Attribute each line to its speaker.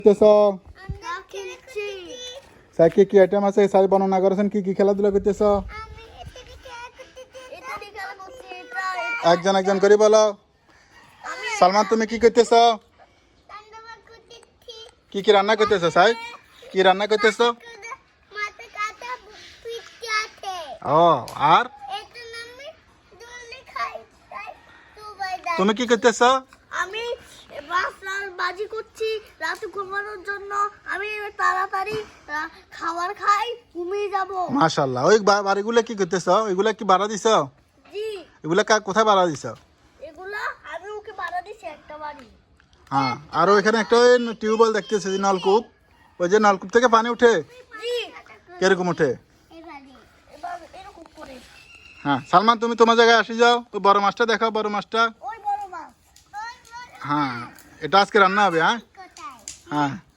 Speaker 1: কি কি আইটেম আছে সাই বর্ণনা করেছেন কি কি খেলাধুলা করতেছ একজন একজন করে বলো সালমান তুমি কি করতেছ কি কি রান্না করতেছ সাই কি রান্না করতেছ ও আর তুমি কি করতেছ
Speaker 2: আমি বাজি করছি রাতে ঘুমানোর জন্য আমি তাড়াতাড়ি খাবার খাই ঘুমিয়ে যাব
Speaker 1: মাশাআল্লাহ ওই বাড়িগুলো কি করতেছ ওইগুলা কি ভাড়া দিছ
Speaker 2: জি
Speaker 1: এগুলা কোথায় ভাড়া দিছ
Speaker 2: এগুলা আমি ওকে ভাড়া দিছি একটা বাড়ি
Speaker 1: হ্যাঁ আর ওইখানে একটা টিউবওয়েল দেখতেছি যে নলকূপ ওই যে নলকূপ থেকে পানি উঠে
Speaker 2: জি
Speaker 1: কিরকম উঠে
Speaker 2: এবার এরকম করে
Speaker 1: হ্যাঁ সালমান তুমি তোমার জায়গায় আসি যাও ওই বড় মাছটা দেখাও বড় মাছটা
Speaker 2: ওই বড় মাছ
Speaker 1: হ্যাঁ এটা আজকে রান্না হবে হ্যাঁ হ্যাঁ